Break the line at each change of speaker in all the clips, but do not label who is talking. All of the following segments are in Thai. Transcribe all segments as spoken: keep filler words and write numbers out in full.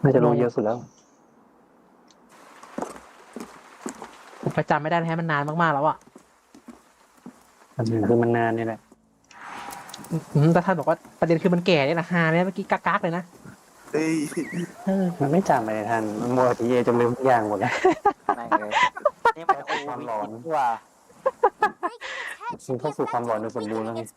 น่าจะรู้เยอะสุดแล้ว
ผมประจำไม่ได้นะฮะมันนานมากๆแล้วอ่ะ
คือมันนานนี่แหละ
แต่ท่านบอกว่าประเด็นคือมันแก่เนี่ยนะฮาเนี่ยเมื่อกี้กากๆเลยนะ
เอ้ย
มันไม่จำไปในทันมันมัวทีเอจนลืมทุกอย่างหมดแล้ว
ไม่เลยนี่มันโอ้ความร้อนกว่า
มันเข้าสู่ความร้อนโดยสมบูรณ์แล้วไง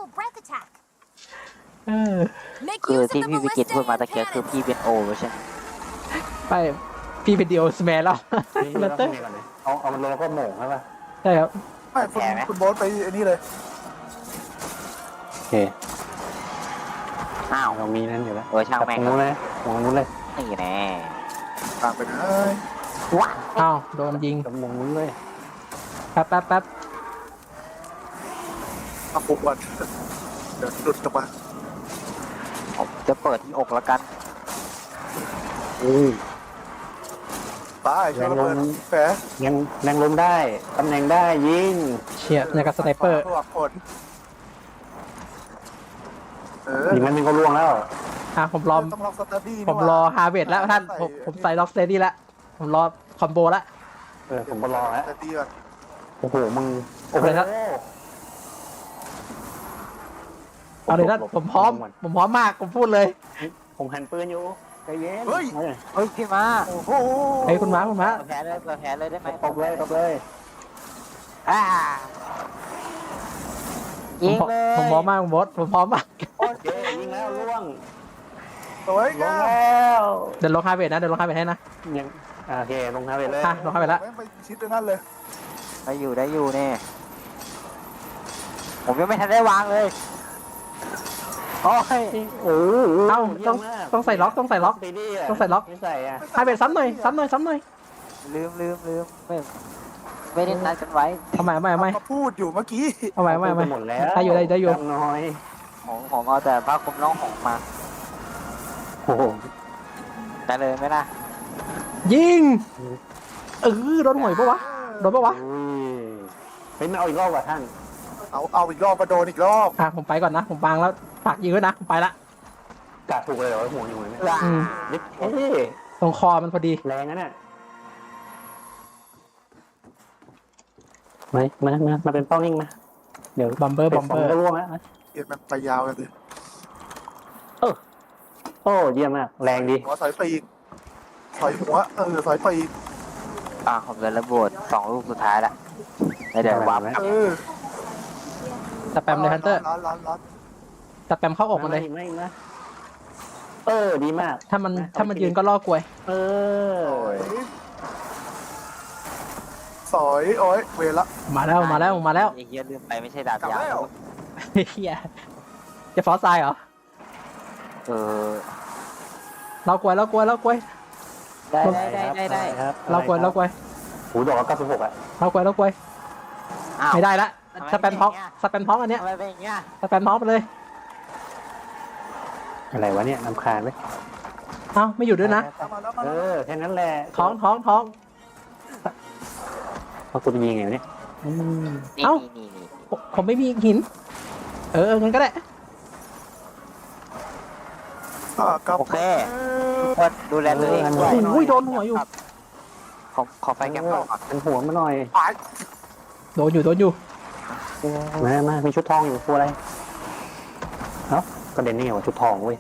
เออ
คือที่พี่วิกิตพูดมาตะเกียคือพี่เป็นโอใช่ไหม
ไปพี่เป็นดีโอสแมนแล้วแล้วเต้
เอาเอามันลงแล้วก็โหม่งใช่ป่ะ
ใช่ครับ
ไม่คุณคุณโบ๊ทไปไอ้นี่เลย
โอเค
อ้าว
เรามีนั่นอยู่แล้ว
เออช่างแม่ง
นู้นเลยมองนู้นเลย
นี่แน่
ตามไปเลย
ว้า
อ้าวโดนยิง
มองนู้นเลย
แป๊บแป๊บแป๊บ
มาปุ๊บวันเดี๋ยวหลุดออกมา
ผมจะเปิดที่อกแล้วกัน
อือ
ตายช่วยระเบิดแผล
ยังแรงลมได้ตำแหน่งได้ยิง
เฉียดในกับสไนเปอร์
ผลเออ
ยิงมันนึงก็ล่วงแล้ว
อ่ะผมรอผมรอฮาร์เวสแล้วท่านผมผมใส่ล็อกสเตดี้แล้วผมรอคอมโบแล้ว
เออผมก็รอแล้วโอ้โหมึง
โอ้โหครับเอาเลยท่านผมพร้อมผมพร้อมมากผมพูดเลย
ผมหันปืนอยู่ใจเย็น
เฮ้ย
เฮ้ยพี่มา
โอ้โห
เฮ้ยคุณม้าคุณม้า
แผลเลยแผลเลยได้ไหม
ตบเลยตบเลย
อ่ายิงเลย
ผมพร้อมมากคุณบอสผมพร้อมมาก
โอเคยิงแล้วล่วง
สวย
ลงแล้ว
เดินลงฮาร์เวสนะเดินลงฮาร์เวสให้นะ
ยังโอเคลงฮาร์เวสเลย
อ่ะลงฮาร์เวสแล้ว
ไปชิดนั่นเลย
ได้อยู่ได้อยู่เนี่ยผมยังไม่ทันได้วางเลยโอ้ย
โอ้
เอ้าต้องต้องใส่ล็อกต้องใส่ล็อกต้องใส่ล็อก
ไม่ใส่อะ
ฮาร์เวสซ้ำหน่อยซ้ำหน่อยซ้ำหน่อย
ลืมลืมลืมไม่ไม่ได้นัดกันไว้
ทำไมไม่ไม่
มาพูดอยู่เมื่อกี้
ทำไมไม่ไม่
หมดแล้ว
ได้อยู่ได้ได้อยู่
น้อย
ของของเอาแต่ผ้าคลุมน้องของมา
โอ้โห
ได้เลยไหมล่ะ
ยิงเออโดนหวยปะวะโดนปะวะ
เฮ้ยมาเอาอีกรอบว่ะท่าน
เอาเอาอีกรอบมาโดนอีกรอบ
อ่ะผมไปก่อนนะผมวางแล้วฝากยิงไว้นะผมไปละ
กาดถูกเลยเหรอหัวอยู่เนี่ยนิดเฮ้ย
ตรงคอมันพอดี
แรงนะเนี่ยมามามามาเป็นเป้านิ่งมาเดี๋ยว
บอมเบอร์บอมเบอร์
ก็ร่วงแล้ว
เอ็นมันไปยาวกันเลย
เออโอ้เยี่ยมมากแรงดี
หัวสายปีกสายหัวเออสายปีก
อ่าผมเลยระเบิดสองลูกสุดท้ายละเดี๋ยววาง
เออ
สแปมเลยฮันเตอร์สแปมเข้าอกมันเลย
เออดีมาก
ถ้ามันถ้ามันยืนก็ล่อกลวย
เออ
สอยโอ้ยเวละ
มาแล้วมาแล้วมาแล้ว
ไอ้เฮียลืมไปไม่ใช่ดาบยาว
เฮียจะฟอสไซเหรอ
เออ
เรากลวยเรากลวยเรากลวย
ได้ได้ได้ได้
เรากลวยเรากลวย
หูดอกเก้าสิบหกอ่ะ
เรากลวยเรากลวยไม่ได้ละสแปมท้องสแปมท้องอันเนี้ยสแปมท้องไปเลย
อะไรวะเนี่ยนำคาญไหม
เอ้าไม่อยู่ด้วยนะ
เออแค่นั้นแหละ
ท้องท้องท้อง
เขาตัวยิงไงเนี่ย
เอ้าผมไม่มีหินเอองั้นก็ได้
โอเคคนดูแลตัวเองด้วย
โอ้ยโดนหัวอยู่
ขอขอไฟแกมก่อน
เป็นหัวมาหน่อย
โดนอยู่โดนอยู่
มามามีชุดทองอยู่ตัวอะไรเอ้ากระเด็นนี่เหรอชุดทองเว้ย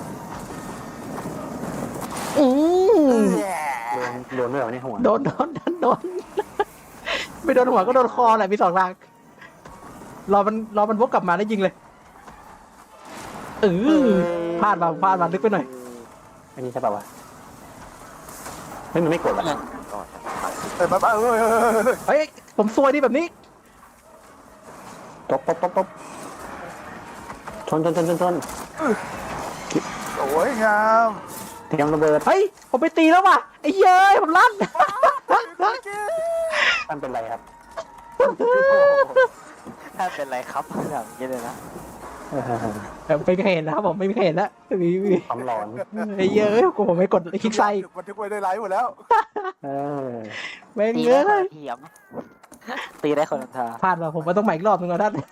อืม
โดนโดนด้วยเหรอเนี่ยหัว
โดนโดนโดนไม่โดนหัวก็โดนคอแหละมีสองทางรอมันรอมันวกกลับมาแล้วยิงเลยเออพลาดมาพลาดมาลึกไปหน่อย
อันนี้ใช่ป่าวะเฮ้ยมันไม่กดอ่ะ
เฮ้ยมาเฮ้ย
เฮ้ยผมซวยดิแบบนี้
ตบตบตบตบชนชนชนชนชน
สวยงาม
เตรียมระเบิด
เฮ้ยผมไปตีแล้วว่ะไอ้เย้ยผมลั่น
ท่านเป็นไรครับ
ท่านเป็นไรครับอย่างนี้เลยนะ
ไม่มีใครเห็นนะครับผมไม่มีใครเห็นแล้วมีมี
ความร้อน
ไอ้เย้ยกูผมไม่กดคลิกไซ
บันทึกไว้ได้ไลฟ์หมดแล้ว
เออ
ไม่เงย
ตีได้คนทา
พลาดมาผมมาต้องใหม่อีกรอบนึงแล้วท่าน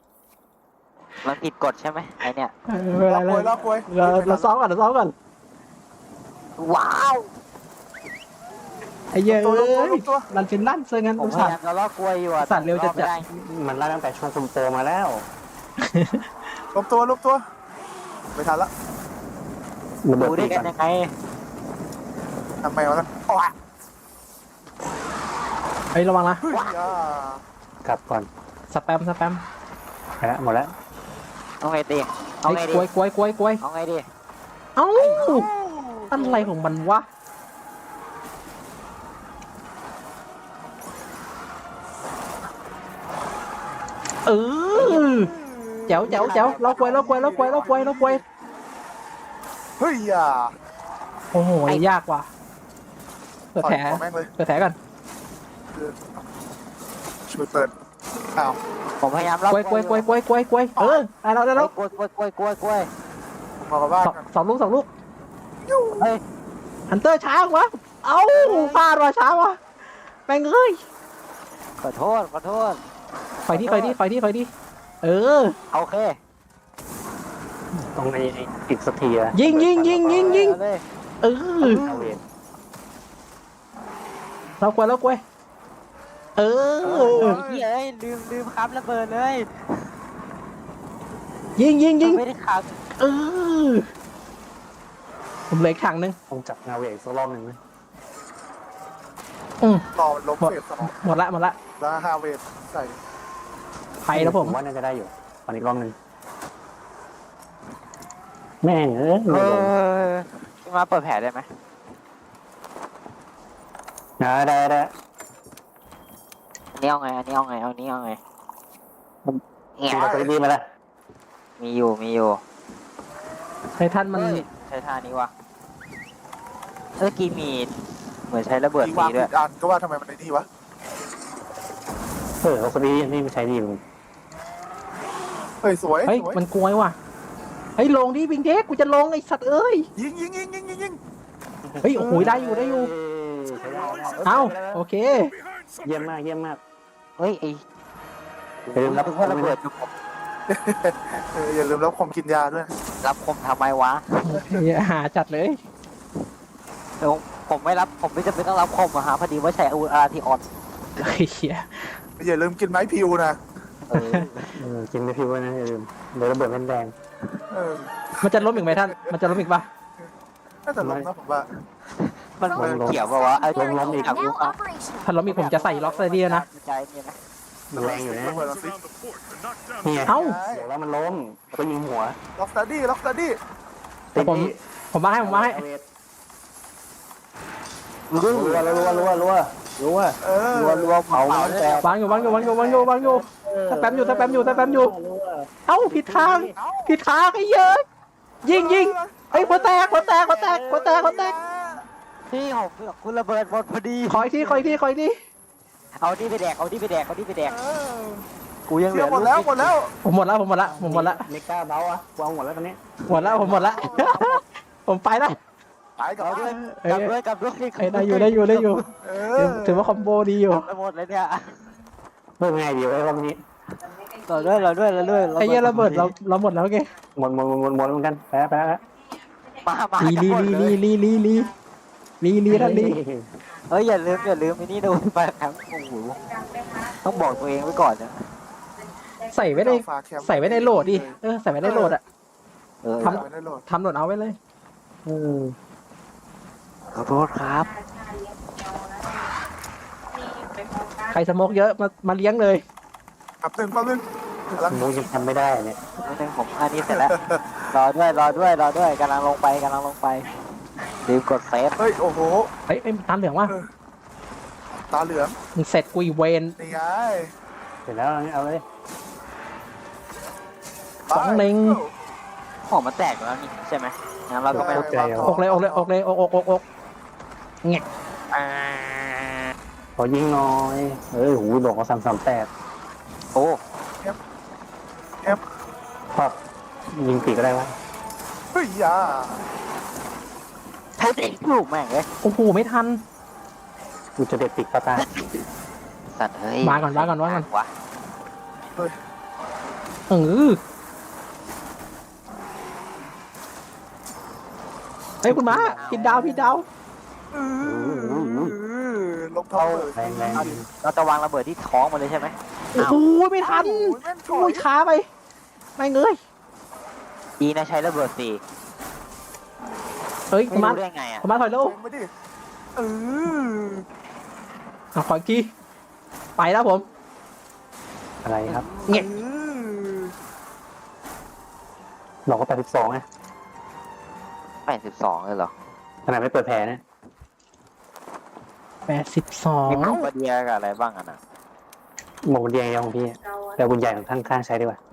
มันผิดกฎใช่ไหมไอเนี้ย
เราเราเราซ้อมก่อนเราซ้อมก่อน
ว้าว
ไอ้เหี้ย
ตัว
เอ้
ตัว
ย
ตัว
รันเป็นลั่นซะงั้น
ผม
อุต
พ
ส่า
ยา
ห์
ยามจะลอกกล้วยอยู่อะ
สัตว์เร็วจัดๆ
ไม่ได้
มันไล่ตั้งแต่ช่วงคุณโปรมาแล้ว
ลบตัวลบตัวไม่ทันละ
ระเบิด
ดู
ปี
ได้
ก
กั
ก่อน น
ยังไง
ทำไมวะโอ้ย
ไอ้ยระวังนะ
เฮ้ยอ่าก
ลับก่อน
สแปมสแปม
ไปละหมดแล้ว
เอาไงดีเอา
ไอ้
ไง
ย
ดี
กล้วยกล้วยกล้วยกล้วย
เอาไงดี
เอ้าอะไรของมันวะเออแจ๋วแจ๋วแจ๋วล็อกไว้ล็อกไว้ล็อกไว้ล็อกไว้ล็อกไว้
เฮ้ยอ่า
โอ้โหยากว่ะเปิด
ต่อย
แผล
หัวแม่งเลย
เปิดแผลก่อน
ช่วยเปิดอ้าว
ผมพยายามลอก
กล้วยกล้วยกล้วยกล้วยกล้วยกล้วยเออได้แล้วได้แล้ว
กล้วยกล้วยกล้วยกล้วยกล้วย
ผมพอกับบ้าน
สอง
กัน
สองลูกสองลูก
เฮ้ย
ฮันเตอร์ช้าวะเอ้าพลาดว่ะช้าวะแม่งเอ้ย
ขอโทษขอโทษ
ไฟที่ไฟที่ไฟที่ไฟที่เออ
โอเค
ตรงในอีกสักทีอะ
ยิงยิงยิงยิงยิง
เอาเลย
เออ
เอาเวท
เรากล้วยเรากล้วยเออ
เฮ้ยเอ้ยลืมลืมครับระเบิดเลย
ยิงยิงยิง
ไม่ได้ขับ
เออผมเหลืออีกถังหนึง
ต้องจับเงาเวทอีกสักรอบหนึ่งไหม
อืม
ต่อมันลบเฟสสมอง
หมดละหมดละ
แล้วฮาเวทใส่
ไปแล้วผม
ว่าน่าจะได้อยู่ตอนอีกรอบหนึ่งแม่งเอ้ย
เอ
ไม่ลง
อพี่มาเปิดแผลได้ไหม
นะได้ได้
อันนี้เอาไงอันนี้เอาไงเอาอันนี้เอาไงแง่
มีอะไรดีไหมล่ะ
มีอยู่มีอยู่
ไททันมัน
เฮ้ยใช้ท่านี้วะเมื่อกี้มีเหมือนใช้ระเบิด
ที่
ฟ
วา
รี
ง
ด้วย
ผิดอันก็ว่าทำไมมันไอ้นี่วะ
เออเขาคนนี้นี่ไม่ใช้ดีมึง
เฮ้ยสวย
เฮ้ย
สวย
มันกลวยว่ะเฮ้ยลงดิบิงเด็กกูจะลงไอ้สัตว์เอ้ย
ยิงยิงยิงยิงยิงยิง
เฮ้ยโอ้โหได้อยู่ได้อยู่
ใช้ได้ได้
เอ้าโอเค
เยี่ยมมากเยี่ยมมาก
เฮ้ยไอ้
อย่าลืมรับ
นึกว่าระเบิดอยู่ผม
เอออย่าลืมรับคมกินยาด้วย
รับคมทำไมวะ
หาจัดเลย
เดี๋ยวผมไม่รับผมไม่จำเป็นต้องรับคมอะฮะพอดีว่าใช้อาวุธอาร์ทีออน
เฮ้ยเหี้ย
อย่าลืมกินไม้พิวนะ
เออเออกินไม่พิวไว้นะอย่าลืมเดี๋ยวระเบิดแม่นแดง
เออ
มันจะล้มอีกไหมท่านมันจะล้มอีกปะ
น่าจะลงนะผมว่า
มันเหมือนเกี่ยวกับว่าไอ้
ลงล้มอีก
อาวุธ
Now
อะ
operational.
ถ้าล้มอีกผมจะใส่ล็อกไซเดียนะ
ใจเนี่ยนะ
มันแรงอยู่นะ
ระเบิดเราสิ
นี่ไง
เอ้า
บอกแล้วมันล้มแล้วก็ยิงหัว
ล็อกสตาร์ดี้ล็อกสตาร์ดี้
แต่ผมผมมาให้ผมมาให้
รัวรัวรัวรัวรัวรัว
เออ
รัวรัวเผามันแตก
วางอยู่วางอยู่วางอยู่วางอยู่วางอยู่สแปมอยู่สแปมอยู่สแปมอยู่เอ้าผิดทางผิดทางไอ้เหี้ยอะยิงยิงไอ้ยหัวแตกหัวแตกหัวแตกหัวแตกหัวแตก
พี่ผมเผื่อคุณระเบิดหมดพอดี
ขออีกทีขออีกทีขออีกที
เอาที่ไปแดกเอาที่ไปแดกเอาที่ไปแดก
เออ
กูยังเห
เที่
ลื
ยว
อ
หมดแล้วหมดแล้ว
ผมหมดแล้วผมหมดละผมหมดละ
เมกาเบาอะวางหมดแล้วตอนนี้
หมดแล้วผมหมดละ ผมไปละ
ตายกับ
เอาด้ว
บ้าย น
เอ้ย
กลับด้วยกลับด้วย
เอ้ยได้อยู่ได้อยู่ได้อยู่
เอ
ถื
อ
อถือว่าคอมโบดีอยู่
ไปหมดเลยเนี่ย
เพิ่มง่ายดีไว้รอบนี้
เราด้วยเราด้วยเราด้วย
ไอ้เหี้ยระเบิดเราเราหมดแล้วไง
หมดหมดหมดหมดหมดเหมือนกันแพ้แพ้แล้ว
มามา
ลีลีลีลีลีลีลีลีลีท่านลี
เฮ้ยอย่าลืมอย่าลืมไอ้นี่ดูไปครั้งโอ้โหต้องบอกตัวเองไว้ก่อนนะ
ใส่ไว้ในใส่ไว้ในโหลดดิเออใส่ไว้ในโหลดอะ
เออ
ท
ทำไม่ได้โหลด
ทำโหลดเอาไว้เลย
อืม
ขอโทษครับ
ใครสโมกเยอะมามาเลี้ยงเลย
อับหนึ่งแป๊บนึงกำลัง
มูยังทำไม่ได้เนี่ย
นิดนึงผมอันนี้เสร็จแล้วรอด้วยรอด้วยรอด้วยกำลังลงไปกำลังลงไปลืมกดเซฟ
เฮ้ยโอ้โห
เฮ้ยไอ้ยตามเหลืองว่ะ
ตาเหลือง
มึงเสร็จกูอีเวน
นี่ไง
เสร็จแล้วเอาเลย
สองเล็ง
ของมันแตกแล้วนี่ใช่ไหมงั้นเราก็ไม่ต้อง
อกเลยอกเลยอกเลยอกอกอกอกเงี้ย
อ่า
ขอยิงหน่อยเอ้ยหูดอกเขาสามสามแปด
โอ้
พอยิงปีกก็ได้วะ
เฮ้ยยา
แท้จริงลูกแม่งเลย
โอ้โหไม่ทัน
กูจะเด็ดปีกปลาตาย
สัตว์เฮ้ย
มาก่อนมาก่อนมาก่อน
วะ
เออเฮ้ยคุณม้าผิดดาวผิดดาว
เออลงเท้าเลย
แรงแรง
เราจะวางระเบิดที่ท้องมันเลยใช่ไหม
โอ้โหไม่ทัน
โอ้ยแม่งถอ
โอ้
ย
ยช้าไปไม่เงย
ดีนะใช้ระเบิดสี่
เฮ้ย
ไม่
คุณม้า
รู้ได้ไงอ่ะ
คุณม้าถอยเร็ว
เล็งไปดิเออ
เอาขออีกทีไปแล้วผม
อะไรครับ
เงี้ย
ออ
เราก็แปดสิบสองไง
แปดสิบสองเลยเหรอ
ขนาดไม่เปิดแผลนะ
แปดสิบสอง
มีคอมบาเดียกับอะไรบ้างอ่ะนะ
หมกมันเดียงของพี่แต่คุณใหญ่ของข้างข้างใช้ดีกว่า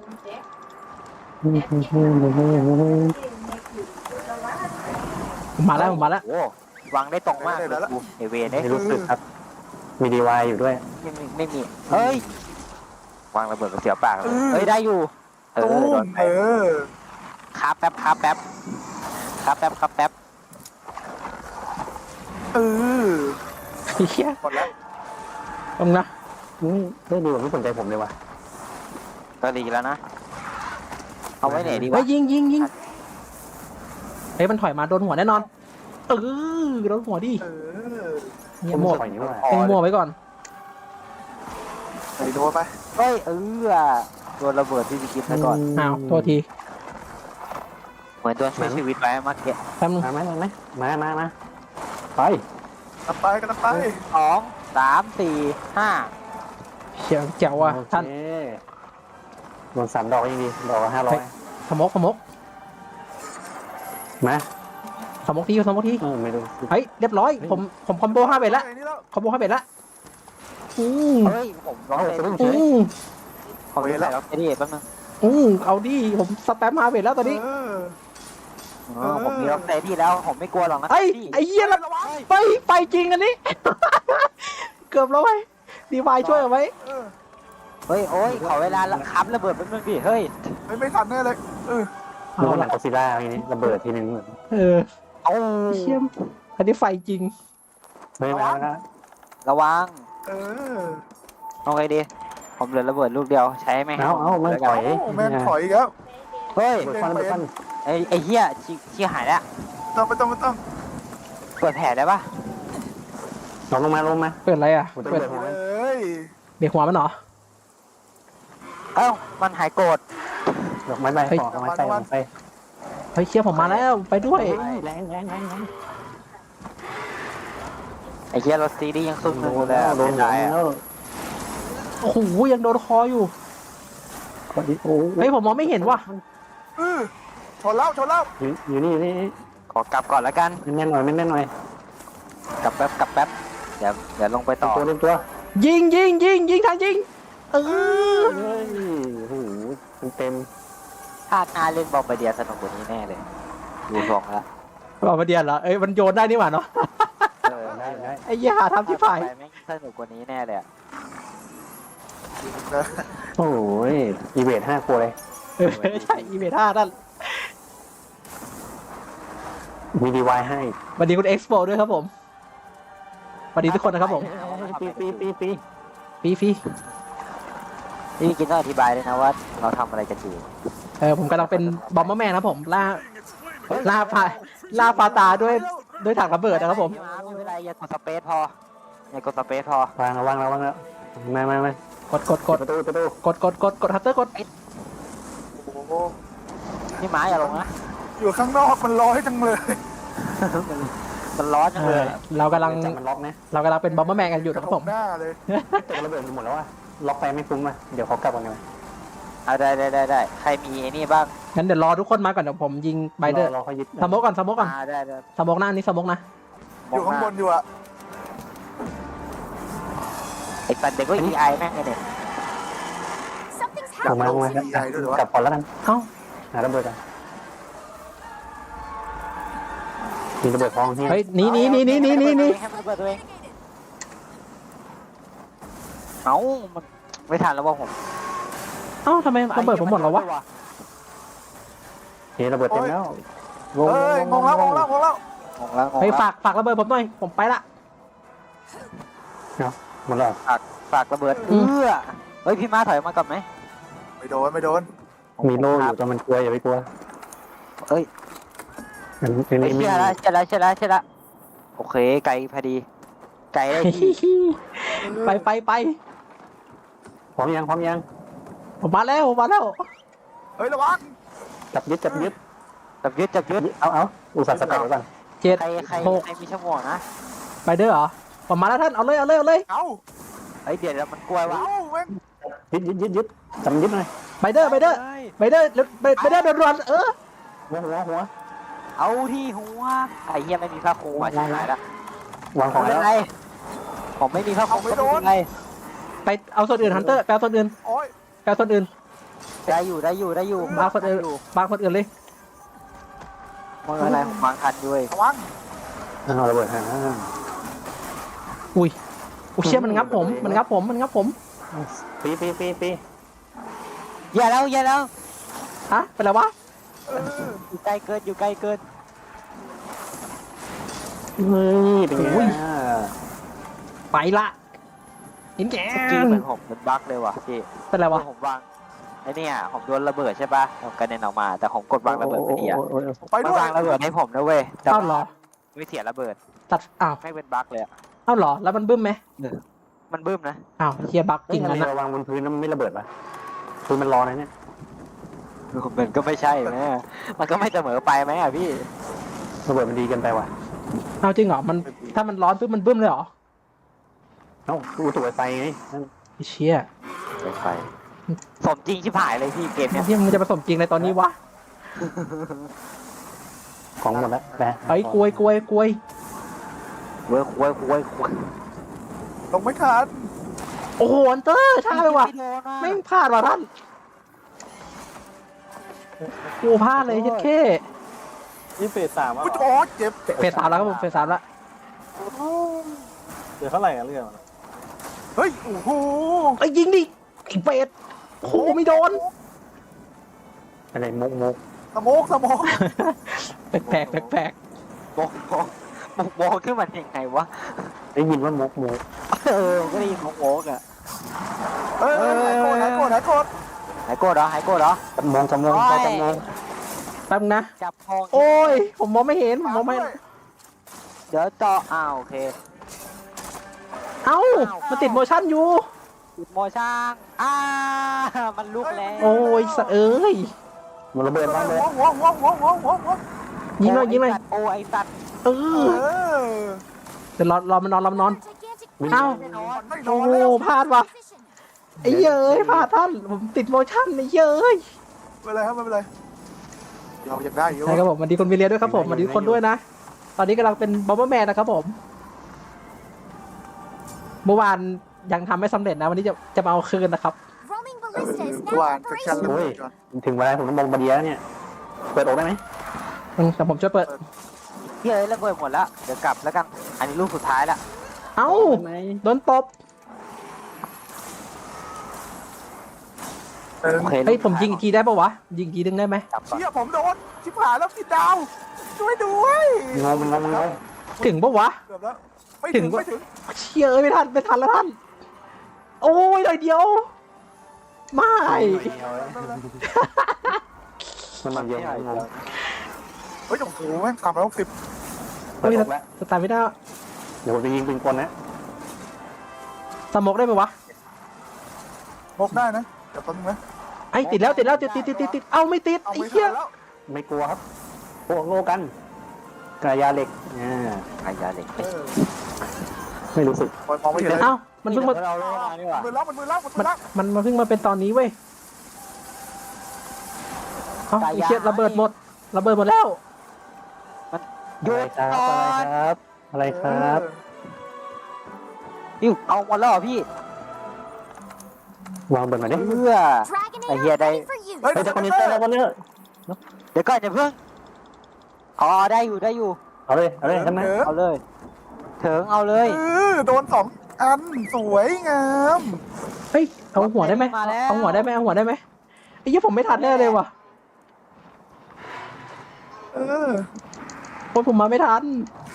ผมมาแล้วผมมาแล้ว
โอ้วางได้ตรงมากเลยกูเอเวได้
ไม่รู้สึกครับ มีดีวายอยู่ด้วย
ไม่มีไม่มีเฮ้ยวางระเบิดกับเสียวปากเลยเฮ้ยได้อยู่เอ
ตู
อโด
ม
นไป
เออ
คาแป๊บคาแป๊บคาแป๊บคาแป๊บ
เออ
เฮีย
หมดแล้ว
ตรงนะ
อืมได้ดีกว่าไม่สนใจผมเลยว่ะ
ก็ดีแล้วนะเอาไว้ไหนดี
เฮ้
วะ
ยยิงยิงยิงเฮ้ยมันถอยมาโดนหัวแน่นอนเออโดนหัวดิ
เออ
เงียบหมด
ปล่อยนี่ว่า
เต็งมัวไว้ก่อน
ไปโดนไป
เฮ้ยเออโดนระเบิดที่จะกินไปก่อน
อ้าวโทษที
เหมือนโดนช่วยชีวิตไว้เมื่อกี้
แป๊บนึง
มาไหมมาไหมมามามาไป
กันไปกันไป
สองสามสี่ห้า
เขียวแจ๋วอ่ะ
โอเค
ท่าน
โดนสามดอกยังดีดอกละห้าร้อย
สมกสมก
มา
สมกทีสมกที
เออไม่รู้
เฮ้ยเรียบร้อยผมผมคอมโบห้าเบ็ดละ
ไอ้นี่แล้ว
คอมโบห้าเบ็ดละอืม
เฮ้ยผมร้องเลย
อืม
ผมจะใส่ล็อกเตอรี่แป๊บนึง
อืมเอาดิผมสแปมห้าเบ็ดแล้วตอนนี้
เออ
เออผมมีล็อกเตอรี่แล้วผมไม่กลัวหรอกนะ
ไอ้
พี่
ไอ้เหี้ยละไปไปจริงอันนี้ เกือบแล้วไว้ยดีวายช่วยเอาไว้
เออ
เฮ้ยโอ้ยขอเวลาค้ำระเบิดแป๊บนึงดิเฮ้ย
ไม่ไม่ทันแน่เลยเออ
ดูหนังกอซิล่าทีนี้ระเบิดทีนึงเหมือน
เออ
เอา
เชี่ยมอันนี้ไฟจริง
เฮ้ยมาแล้ว
ระวัง
เออ
เอาไงดีผมเหลือระเบิดลูกเดียวใช้ไหม
เอาเอามันถอย
โอ้แม่งถอยอีกแล้ว
เฮ้ย
เปิดฟันเปิดฟัน
ไอ้ไอ้เหี้ยชิชิหายแล้ว
ต้องไม่ต้องไม่ต้อง
เปิดแผลได้ปะ
ลงลงมาลงมา
เปิดอะไรอ่ะ
ผมจะ
เปิด
เปิดหัว
เอ้ย
เบรกหัวมันเหรอ
เอ้ามันหายโกรธ
ดอกไม้ใบขอไม้ใส่ไม้ใส่
เฮ้ยเชี่ยผมมาแล้วไปด้วย
แรงแรงแรงแรง
ไอ้เหี้ยรถซีดียังซุ่ม
โด
อยู่
น
เล
แล้
ยว
โดน
ไม่
แล้
ได้อะ
ว
โอ้โหยังโดนคออยู่
โอ้
เฮ้ยผมมองไม่เห็นว่ะ
เออชนแล้วชนแล้ว
อยู่อยู่นี่อยู่นี่
ขอกลับก่อนแล้วกัน
แน่นหน่อยแน่นหน่อย
กลับแป๊บกลับแป๊บเดี๋ยวเดี๋ยวลงไปต่อ
ตัวเล่นตัว
ยิงยิงยิงยิงทันยิงเออ
เฮ้ยโอ้โหเต็ม
พลาดหน้าเล่นบอมบ์เดียสนุกกว่านี้แน่เลยดูทรงแล้ว
บอกมาเดียนเหรอเอ้ยมันโยนได้นี่หว่าเนาะ
เออ
ได้ได้
ไอ้เหี้ยหาทำที่ฝ่าย
ไปแม่งสนุกกว่านี้แน่เลยอะ
โอ้ยอีเวทห้าครัวเลย
เออใช่อีเมท่าท่าน
มีดีวายให้
สวัสดีคุณเอ็กซ์โปด้วยครับผมสวัสดีทุกคนนะครับผม
ปีปีปีปี
ฟีฟี
พี่กินต้องอธิบายเลยนะว่าเราทำอะไรกันอยู่
เออผมกำลังเป็นบอมเบอร์แมนนะครับผมล่าล่าฟาล่าฟาตาด้วยด้วยถังระเบิดนะครับผม
ไม่เป็นไรอย่ากดสเปซพออย่ากดสเปซพอ
วางแล้ววางแล้ววางแล้วมามามาก
ดกดกด
ประตูประตู
กดกดกดกดฮัตเตอร์กด
โอ้โห
พี่หมาอย่าลงนะ
อยู่ข้างนอกมันร้อยจังเลย
มันร้อนจัง
เอ
เล
อย เรากำลัง
จับมันล็อกนะ
เรากำลังเป็นบอมเบอร์แมนกันอยู่นะครับผม
หน้าเลย
แต่ระเบิดหมดแล้วอ่ะล็อกไปไม่คุ้มอ่ะเดี๋ยวเขากลับกันเลย
เอาได้ได้ได้ได้ใครมีไอ้นี่บ้าง
งั้นเดี๋ยวรอทุกคนมาก่อนเดี๋ยวผมยิงไบเดอร์
รอเขายึด
สโมกก่อนสโมกก่อน
อ่าได้ได้
สโมกหน้านี้สโมกนะ
อยู่ข้างบนอยู่อะ
ไอ้สัตว์เด็กก็อีไอแม่งไงเนี่ย
ลงมาลงมาครับกลับก่อนแล้วกัน
เอ้า
หาระเบิดกันมีระเบิดทองที่
เฮ้ยหนีหนีหนีหนีหนีหนีหนี
ให้มันเปิดตัวเองเอ้ามันไม่ทันแล้วว่าผม
เอ้าทำไมระเบิดผมหมดแล้ววะ
เฮ้ระเบิดเต็มแล้ว
เอ้ยงงแล้วงงแล้วงงแล้ว
งงแล้วงง
เฮ้ย
แล้ว
ฝากฝากระเบิดผมหน่อยผมไปละ
หมดแล้ว
ฝากฝากระเบิด
อื
เอื้
ม
อเฮ้ยพี่ม้าถอยมาก่อนไหม
ไม่โดนไม่โดน
มีโล่อยู่แต่มันกลัวอย่าไปกลัว
เอ้ย
อัน
ไอ้
นี้
เชี่ย
มี
ละเชี่ยละเชี่ยละเชี่ยละโอเคไกลพอดี ไกลได้ที่
ไปไปไป
พร้อมยังพร้อมยัง
ผมมาแล้วผมมาแล้ว
เฮ้ยระวัง
จับยึดจับยึด
จับยึดจับยึด
เอาเอาอุตส่าห์สกัดไว้ก่อน
เจ็ด
ใครใคร
หก
ใครมีชั่วโมงนะ
ไปเด้อเหรอผมมาแล้วท่านเอาเลยเอาเลยเอาเลย
เอ้า
ไอ้ยเดี๋ยวเดี๋ยวมันกลัววะ
เอ้าแม่ง
ยึดยึดยึดยึดจับยึดหน่อย
ไปเด้อไปเด้อไปเด้อไปไปเด้อโดนๆเออ
หัวหัวหัว
เอาที่หัวไอ้เหี้ยไม่มีผ้าคลุมอ่ะชิบหายละ
วางของ
ไม่
แล้
เป็
ว
นไรผมไม่มีผ้าคลุมก็ไม่เป็นไร
ไปเอาส่วนอื่นฮันเตอร์ไปเอาส่วนอื่น
โอ้ย
ไปเอาส่วนอื่น
ได้อยู่ได้อยู่ได้อยู่
มาคนอื่นบางคนอื่นเลย
มึงอะไรผมวางทันด้วย
ระวัง
เอาระเบิดฮะ
อุ้ยอุ้ยเชี่ยมันงับผมมันงับผมมันงับผม
ปีปีปีปี
อย่าแล้วอย่าแล้ว
ฮะเป็นไรวะ
เออ
อยู่ใกล้เกินอยู่ใกล้เกิน
เฮ้ยเป็นไง
ไปละหินแก
จริง
น
เหมือนผมเป็นบั๊กเลยว่ะพี่
เป็นไรวะ
ผมวางไอ้เนี่ยผมโดนระเบิดใช่ป่ะผมกระเด็นออกมา แต่ผมกดวางระเบิดไม่ดีอ่ะ
ไป
มัน
ด้วย
วางระเบิดให้ผมนะเว้ยแต่
เอ้าเหรอ
ไม่เสียระเบิด
ตัดอ้าว
ไม่เป็นบั๊กเลยอ่ะ
เอ้าเหรอแล้วมันบึ้มไหม
มันบึ้มนะ
อ้าวเฮียบักจ
จริ
ริ
ง
ง
อัน
นะ
นี้วางบนพื้นแล้วมันไม่ระเบิดป่ะพื้นมันร้อนนะเนี่ย
มันก็ไม่ใช่แม่มันก็ไม่เสมอไปไหมอ่ะพี่
ระเบิดมันดีเกินไปว่ะ
เอาจริงเหรอมันถ้ามันร้อนปุ๊บมันบึ้มเลยเหรอ
เอ้าอุตุไฟไง
ไอ้เชี่ย
ไปไฟสมจริงชิบหายเลยพี่เกมเนี้ย
ที่มันจะผสมจริงในตอนนี้วะ
ของหมดแล้วแปะ
ไอ้กลวยกลวยกลวย
เว้ยเว้ยเว้ยเว้ย
ลงไม่ทัน
โอ้โหอันเตอร์ช้าไปว่ะ
ไม่โดนอ่ะ
ไม่งพลาดว่ะท่านกูพลาดเลยเจ็ดเข้
นี่เฟสสามอ่ะ
อุ้ยโอ้ยเจ็บ
เฟสสามแล้วครับผมเฟสสามแล้ว
เดี๋ยวเท่าไหร่อะเรื่องอะ
เฮ้ยโอ้โห
ไอ้ยยิงดิไอ้เฟสโอ้โหไม่โดน
อะไรมุกมุก
สโมกสโมก
แปลกแปลกแปลกแปลก
โบกโบกโบกโบกขึ้นมายังไงวะ
ได้ยินว่ามุกมุก
เออผมก็ได้ยินของโบกอ่ะ
เออหายโกรธหายโกรธหายโกรธ
หายโกรธเหรอหายโกรธเหรอ
จำมองจำมองพอจำมอง
แป๊บนึงนะ
จับทอง
โอ้ยผมมองไม่เห็นผมมองไม่
ด้วย
เดี๋ยวเจาะอ้าวโอเค
เอ้ามันติดโมชั่นอยู่
จุดโมช่างอ่ามันลุกแล้ว
โอ้ยสะเอ้ย
มันระเบิดบ้างเลย
หัวหัวหัวหัวหัวหัว
ยิงเลยยิงเลย
โอ้ไอสัตว์
เอ
เอ
อ
อ
เดี๋ยวรอรอมันนอนรอมันนอน
วิ่ง
เอ้า
ไม่นอนไม่น
โอ้
อน
โห
แล้ว
พลาดว่ะไอ้เย้ยพลาดท่านผมติดโมชั่นไอ้เย้ย
ไม่เป็นไรครับไม่เป็นไรเรายังได้อยู่
ใช่ครับผมสวัสดีคนวิเลียด้วยครับผมสวัสดีทุกคนด้วยนะ ตอนนี้กำลังเป็นบอมเบอร์แมนนะครับผม เมื่อวานยังทำไม่สำเร็จนะ วันนี้จะจะมาเอาคืนนะครับ
Roaming
เออ
ballista is
วา
now
นกับชัน
operational.
เล
โอ้ย
ยก่อน
ถึงเวลาผมต้องมองบาเดียแล้วเนี่ย เปิดอกได้ไหม
อืมแต่ผมจะเปิด
เฮ้ยระเบิดหมดแล้วเดี๋ยวกลับแล้วกันอันนี้ลูกสุดท้ายละ
เอ้า
ไหม
โดนตบ
เออ
โอเค
เฮ้ยผมยิงอีกทีได้ปะวะ ยิงอีกทีนึงได้ไหม
กลับก่อน
เชี่ยผมโดนชิบหายแล้วผิดดาวช่วยด้วย
งงงงงง
ถึงปะวะ
เกือบแล้วไม่
ถึ
ถึ
ง
ง
ว่า
ไม่ถึง
เชี่ยเอ้ยไม่ทันไม่ทันแล้วท่าน โอ้ยหน่อยเดียว ไม่
มันมาเยอะงง
เฮ้ยโอ้โหแม่งสามร้อยหกสิบ
เปิดอกแล้ว
สตาร์ทไม่ได้
เดี๋ยวผมจะยิงปืนกลนะ
สโมกได้ไหมวะ
มกได้นะเดี๋ยวแป๊บนึงนะ
ไอ้ติดแล้วติดแล้วติดติดติดติดติดเอาไม่ติด
เอา
ไอ้
ไม่
เหี้ย
ทันแล้ว
ไม่กลัวครับโอ้โลกันกระยาเหล็กอ่า
ไอ้ยาเหล็ก
เออ
ไม่รู้สึก
มองไม่เห็นเลย
เอ้ามันเพิ่งมา
เราเล่นมาดีกว่า
มือแล้วมันมือแล้วมันมื
มัน
อแล้ว
มันมาเพิ่งมาเป็นตอนนี้เว้ยเอ้าไอ้เชี่ยระเบิดหมดระเบิดหมดแล้ว
หยุ
อะไร
ด
ครับ
ก่อ
อะไร
น
ครับ อะไรครับ
นี่เอาหมดแล้วเหรอพี่
วางเบิร์มาดิ
เพื่อ
Dragon
I
Air
hear they-
ready for use.
เฮ้ย
เฮ้ยจะคอนเนคเตอร์แล้ววันนี้
เดี๋ยวก่อนอย่าเพิ่งอ๋อได้อยู่ได้อยู่
เอาเลยเอาเลยทำไม
เออ
เอาเลยเถิงเอาเลย
เออโดนสองอันสวยงาม
เฮ้ยเอาหัวได้ไหม
มาแล้ว
เอาหัวได้ไหมเอาหัวได้ไหมไอ้เหี้ยผมไม่ทันแน่เลยว่ะ
เออ
โอ้ยผมมาไม่ทัน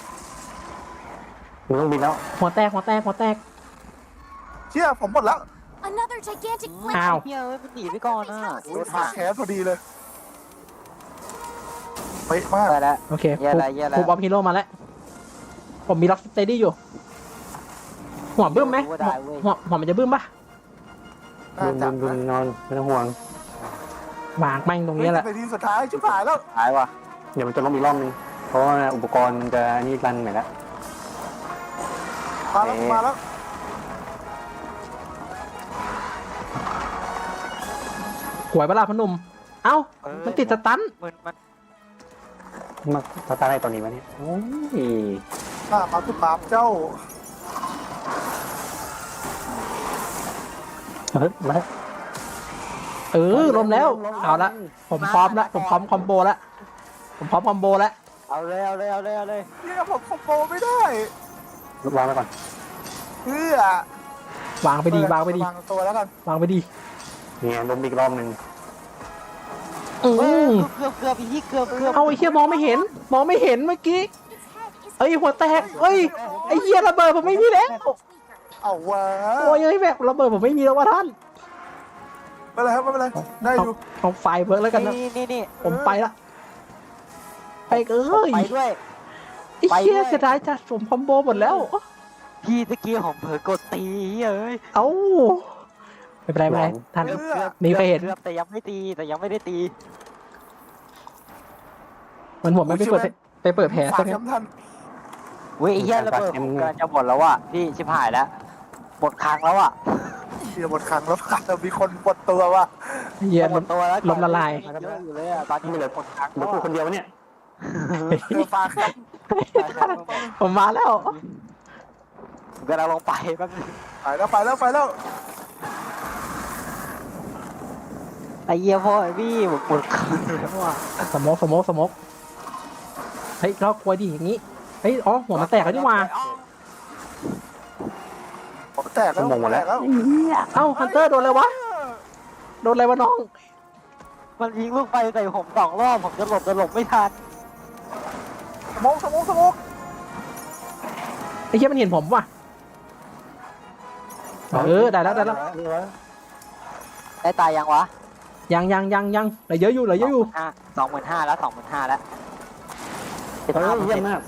มึงต้องบินแล้ว
หัวแตกหัวแตกหัวแตก
เชี่ยผมหมดแล้ว
Another gigantic
อ้าว
blade.
เฮ้ยเอ้ยมันหนีไปก่อนนะ
โอ้ยขาแขนพอดีเลย ไปป๊ะมาก
ได้แล้ว
โอเค
แย่แล้วแย่แล้ว
ครูบอมฮีโร่มาแล้ว ผมมีล็อกสเตดี้อยู่ หัวบึ้มไหม
รู้ว่าได้เว้ย
หัวหัวมันจะบึ้มปะ
น่า
ดุน
จะ
ดุนดุนนอนไม่ต้องห่วง
วางแม่งตรงนี้แหละ
ในทีสุดท้ายชิบหายแล้ว
หายว่ะ
เดี๋ยวมันจะล้มอีกรอบนึงเพราะว่าอุปกรณ์มันจะนี่รันใหม่แล้ว
มาแล้วมาแล้ว
หวยเวลาพอหนุ่ม เอ้า มันติดสตัน
มันมัน
มาตาตาอะไรตอนนี้วะเนี่ยโอ้ย
ข้ามาคือปราบเจ้า
เฮ้ยมา
เออล้มแล้ว เอาละ ผมพร้อมแล้ว ผมพร้อมคอมโบแล้ว ผมพร้อมคอมโบแล้ว
เอาเลยเอาเลยเอาเลยเอาเลย
เนี่ยผมคอมโบไม่ได้
วางไว้ก่อน
เพื่อ
วางไปดี วางไปดี
วางตัวแล้วกัน
วางไปดี
เนี่ยล้มอีกรอบนึง
อื
เออ
ม
เกือบเกือบอีกเกือบเกือบ
เอาไอ้เหี้ยมองไม่เห็น มองไม่เห็นเมื่อกี้ เอ้ยหัวแตกเอ้ย ไอ้เหี้ยระเบิดผมไม่มีแล้ว
เอาวะ
โอ้ยเอ้ยแบบระเบิดผมไม่มีแล้วว่ะท่าน
ไม่เป็นไรครับไม่เป็นไรได้อยู่
เอาไฟเบิร์กแล้วกันนะ
นี่นี่นี่
ผมไปละ ไปเอ้ย
ไปด้วย
ไอ้เหี้ย
ไปด้วย
เสียดายจัดผมคอมโบหมดแล้ว
พี่ตะกี้ผมเผลอกดตีเอ้ย
เอ้า ไม่เป็นไรไม่เป็นไรท่าน
เพื่อ
มีใครเห็น
เกือบแต่ยังไม่ตีแต่ยังไม่ได้ตี
มันผมไม่ไปเปิดไปเปิดแผล
ฝา
ซะ
ก
งั้น
ย้ำทัน
เว้ยไอ้เหี้ยระเบิดผมกำลังจะหมดแล้วอ่ะพี่ชิบหายแล้วหมดครั้งแล้วอ่ะ
เดี๋ยวหมดครั้งแล้วผ่านมีคนปวดตัวว่ะ
เหี้ย
หมดตัวแล้ว
ลมละลาย
เยอะอยู่เลยอ่ะตอนนี้เหลือหมดครั้ง
เดี๋ยวพูดคนเดียวเนี่ย
เดี๋ยวฝากครับ
ผมมาแล้ว
ผมกำลังลงไปแป๊บนึง
ไปแล้วไปแล้วไปแล้ว
ไอ้เหี้ยพ่อไอ้พี่หมดหมดครั้งแล้วอ่ะ
สโมกสโมกสโมกเฮ้ยเราควรดีอย่างนี้ เฮ้ย อ๋อ หัวมันแตกแล้วนี่หว่า
ผมแตกแล้วแตกแล้ว
เอ้าฮันเตอร์โดนอะไรวะ โดนอะไรวะน้อง
มันยิงลูกไฟใส่ผมสองรอบผมจะหลบจะหลบไม่ทัน
สมองสมองสมอง
ไอ้เหี้ยมันเห็นผมว่ะ เออ ได้แล้วได้แล้ว
ได้ตายยังวะ
ยังยังยังยังเหลือเยอะอยู่เหลือเยอะอยู่
สองหมื่นห้าแล้วสองหมื่นห้าแล้ว
เออเยี่ยมมาก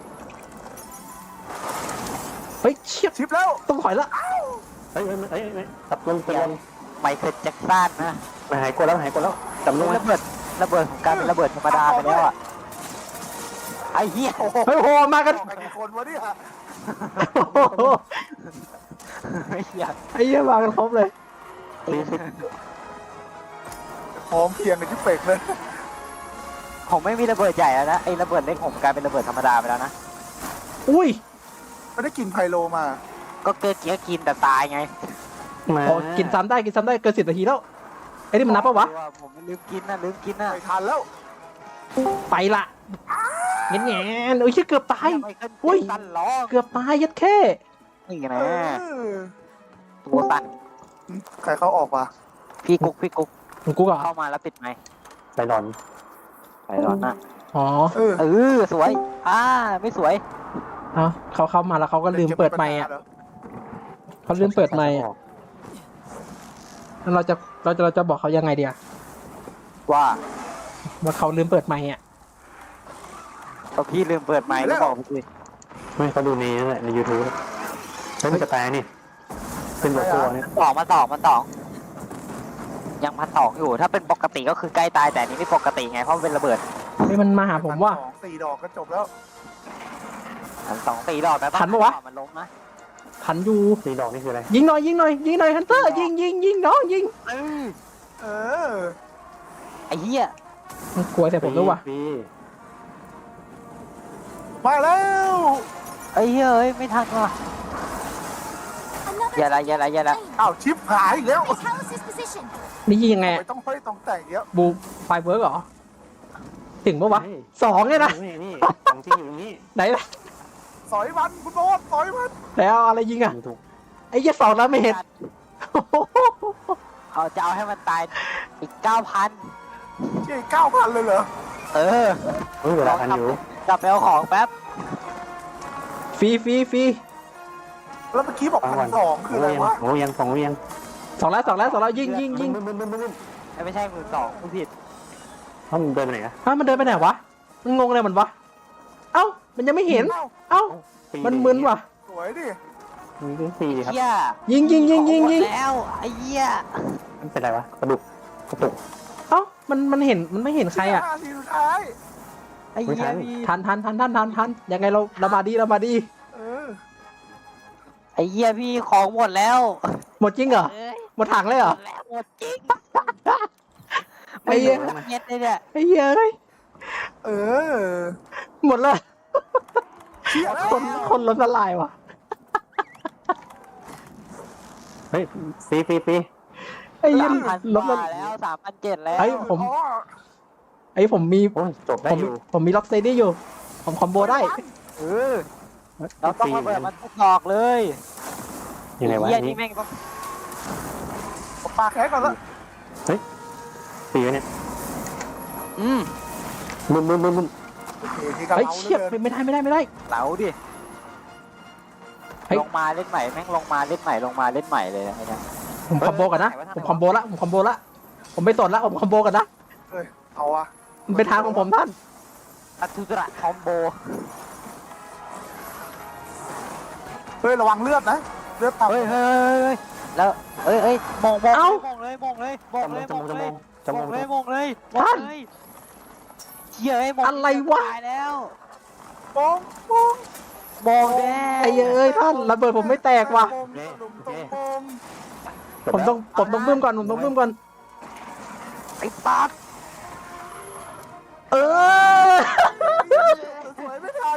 เฮ้ยเชี่ย
ชิปแล้ว
ต้องถอยละ
เฮ้ยเฮ้ยเฮ้ยเฮ้ยตับลมตับลม
ไมเคิลแจ็คสันนะ
มาหายกดแล้วหายกดแล้วจับลงมา
ระเบิดระเบิดของการเป็นระเบิดธรรมดาไปแล้วอ่ะไอ้เหี้ย
โอ้โห
เฮ้ยโหมากัน
ไปกี่คนวะเนี่ย
โอ้โห
ไอ้เหี้ย
ไอ้เหี้ยมากันครบเลย
พร้อมเพรียงกันที่เป็กเลย
ผมไม่มีระเบิดใหญ่แล้วนะไอ้ระเบิดเล็กผมกลายเป็นระเบิดธรรมดาไปแล้วนะ
อุ้ย
ไม่ได้กินไพโลมา
ก็เกิดเกี้ยกินแต่ตายไง
มา
อ๋อกินซ้ำได้กินซ้ำได้เกินสิบนาทีแล้วไอ้นี่มันนับปะวะ
ผมลืมกินนะลืมกินนะ
ไม่ทันแล้ว
ไปละเงี้ยเงี้ยโอ้ยเชี่ยเกือบตาย
ไมเคิล
อุ้ย
แจ็คสันล้อ
เกือบตายยัดแค่
นี่
เอ
นะ
อ
ตัวตัน
ใครเขาออกมา
พี่กุ๊กพี่กุ๊ก
มึงกูก่อน
เข้ามาแล้วปิดไหมค์
ไปหลอน
ไปร้อนนะ
อ๋อ
เออ
เออสวยอ่าไม่สวย
เอาเขาเข้ามาแล้วเขาก็ลืมเปิดไมค์อ่ะเขาลืมเปิดไมค์อ่ะแล้วเราจะเราจะเราจะบอกเขายังไงเดียว
ว่า
ว่าเขาลืมเปิดไมค์อ่ะ
พอพี่ลืมเปิดไมค์ก็บอกพี่
ไม่เขาดูในนั่นแหละในยูทูบเฮ้ยมันจะตายนี่เป็นหัวตัวเนี่ย
สองมาสองมาสองยังพันสองอยู่ ถ้าเป็นปกติก็คือใกล้ตายแต่อันนี้ไม่ปกติไงเพราะมันเป็นระเบิด
เฮ้ยมันมาหาผมว่า
สองสี่ดอกก็จบแล้ว
พันสองตีดอกแต่ต้อง
ทันปะวะ
มันล้มนะ
พันอยู่
สีดอกนี่คืออะไร
ยิงหน่อยยิงหน่อยยิงหน่อยฮันเตอร์ยิงยิงยิงน้องยิง
เออ
เออ
ไอ้เหี้ย
มันกลัวแต่ผมด้วยว่ะ
ฟรี
มาแล้ว
ไอ้เหี้ยเอ้ยไม่ทันว่ะอย่าละอย่าละอย่าละ
อ้าวชิปหายอีกแล้ว
นี่ยิงยังไง
ไม่ต้องค่อยต้องแต่งเยอะ
บูไฟเวิร์กเหรอถึงปะวะสองเนี่ยนะ
นี่นี่ของจริงอยู่ตรงนี้
ไหนล่ะ
สอยมันคุณโบ๊ทสอยมัน
แล้วอะไรยิงอ่ะ
ถูก
ไอ้เหี้ยสองแล้วไม่เห็น
เอาจะเอาให้มันตายอีกเก้าพัน
เจ๊เก้าพันเลยเหรอ
เออ
เฮ้ยเวลาทันอยู่
กลับไปเอาของแป๊บ
ฟรีฟรีฟรี
แล้วเมื่อกี้บอกพันสองคืออะไรวะ
โอ้ยังสองยัง
สองแล้วสองแล้วสองแล้วยิงยิงยิง
บึ้มบึ้มบึ้มบึ้ม
ไม่ใช่หมื่นสองผู้ผิด
เขาเดินไปไหนอะ
อ้าวมันเดินไปไหนวะมันงงอะไรมันวะเอ้ามันยังไม่เห็น
เอ้า
เอ้า
ปี
มันมึนว่ะ
สวยดิ
มีก็ปีครับ
เหี้ย
ยิงยิงยิงยิง
ของหม
ยิ
ด
ง
แล้วไอ้เหี้ย
มันเป็นไรวะกระดูกกระตุก
เอ้ามันมันเห็นมันไม่เห็นใครอ่ะ
ห้าทีสุดท้าย
ไอ้เหี้ยพี่
ทันทันทันทันทันทันยังไงเราเรามาดีเรามาดี
เออ
ไอ้เหี้ยพี่ของหมดแล้ว
หมดจริงเหรอ
เอ้ย
หมดถังเลยเหรอ
หมดแล้วหมดจริง
ไอ้เหี้ย
เย็ดเลยเนี่ย
ไอ้เหี้ยเอ้ย
เออ
หมดเลย
เชี่ยแล้ว
คนคนล้มละลายว่ะ
เฮ้ยปีปีปี
ไอ้เหี้ย
สามพัน
ล้ม
ก
ละ
ว่าแล้วสามพันเจ็ดแล้ว
ไอ้ผม
อ๋อ
ไอ้ผมมี
โอ้ยจบ
ผ
ได้
ม
อยู่
ผมมีล็อกเซดี้อยู่ ผมคอมโบได้
เออเราต้องระเบิดมันทุกดอกเลย
ยังไงวะ
เหี้ย
อัน
นี่
นี่
แม่งต้อง
ผมปาแค่ก่อนละ
ปีวะเนี่ย
อืม
มึนมึนมึนมึน
โอเคที่กระ
เฮ้ย
เป๋า
เชี่ย
เหลือเกิน
ไม่ได้ไม่ได้ไม่ได้
เหลาดิ
เฮ้ย
ลงมาเล่นใหม่แม่งลงมาเล่นใหม่ลงมาเล่นใหม่เลยนะไอ้เนี่ย
ผมคอมโบกันนะ
เฮ้ย
ผมคอมโบละผมคอมโบละผมไม่สนละผมคอมโบกันนะ
เฮ้ยเอาอะ
มันเป็นทางของผมท่าน
อัตุระคอมโบ
เฮ้ยระวังเลือดนะเลือดต่ำ
เฮ้ยเฮ้ยเฮ้ยเฮ้ยแล้วเฮ้ยเฮ้ยมองมอง
เอ้า
มองเลยมองเลยมองเลย
จ
ม
มู
อก ง
จ
เล
มู
ย
กจ
ม
มู
อง
ก
เลยมองเลยมอง
ท่าน
เลยเชี่ยไอ้มอง
อะไรวะ
ตายแล้ว
ปองปอง
มองแน่
ไอ้เอ้ยท่านระเบิดผมไม่แตกว่ะ
ปองหลุมตรงปอง
ผมต้องผมต้องบึ้มก่อนผมต้องบึ้มก่อน
ไอ้ตัด
เออ
สวยไม่ทัน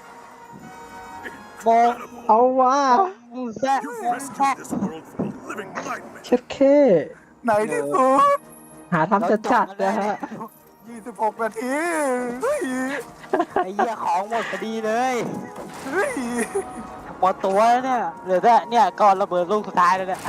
มอง
เอาว่ะ
มูแซ่มองแซ่
เช็ดเค
ไหนที่สุด
หาทำจัดจัดๆนะฮะ
ยี่สิบหกนาทีเฮ้ย
ไอ้เหี้ยของหมดพอดีเลย
เฮ้ย
หมดตัวแล้วเนี่ยเหลือแต่เนี่ยก่อนระเบิดลูกสุดท้ายแล้วเนี่ย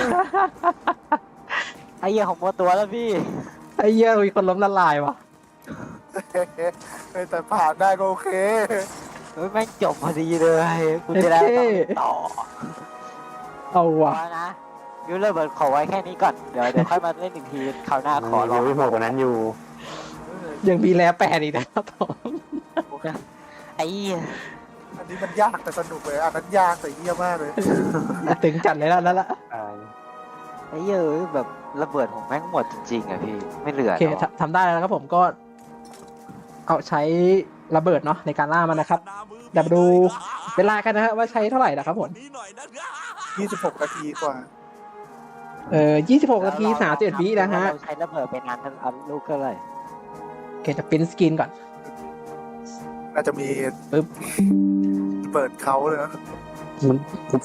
ไอ้เหี้ยของหมดตัวแล้วพี่
ไอ้เหี้ยมีคนล้มละลายว่ะ
เฮ้ยแต่ผ่านได้ก็โอเค
เฮ้ยแม่งจบพอดีเลยกูจะได้ไม่ต้องเล่นต่อ
เอาว่ะ
พอนะยูเลอร์เบิร์ดขอไว้แค่นี้ก่อน เดี๋ยวเดี๋ยวค่อยมาเล่นอีกทีคราวหน้าขอร้อง
ยังไม่หมดกว่านั้นอยู่
ยังมีแลแปดอีกนะครับผม
ไอ้เหี้ย
อันนี้มันยากแต่สนุกเลยอันนั้นยากแต่เยี่ยมากเลย
ถึงจัดเลยแล้วนั่นละ
ตาย
ไอ้เหี้ยเอ้ยแบบระเบิดของแม่งหมดจริงๆอะพี่ไม่เหลือ
โอเค
แล้วอะ
ทำทำได้แล้วนะครับผมก็ เอาใช้ระเบิดเนาะในการล่ามันนะครับเดี๋ยวมาดูเวลากันนะฮะว่าใช้เท่าไหร่นะครับผม
ยี่สิบหกนาทีกว่า
เอ่อยี่สิบหกนาทีสามสิบเอ็ดวินะฮะ
เราใช้ระเบิดไปนานทั้งอันลูกก็เลย
โอเคจะปริ้นสกรีนก่อน
น่าจะมี
ปึ๊บ
เปิดเขาเลยนะ
มัน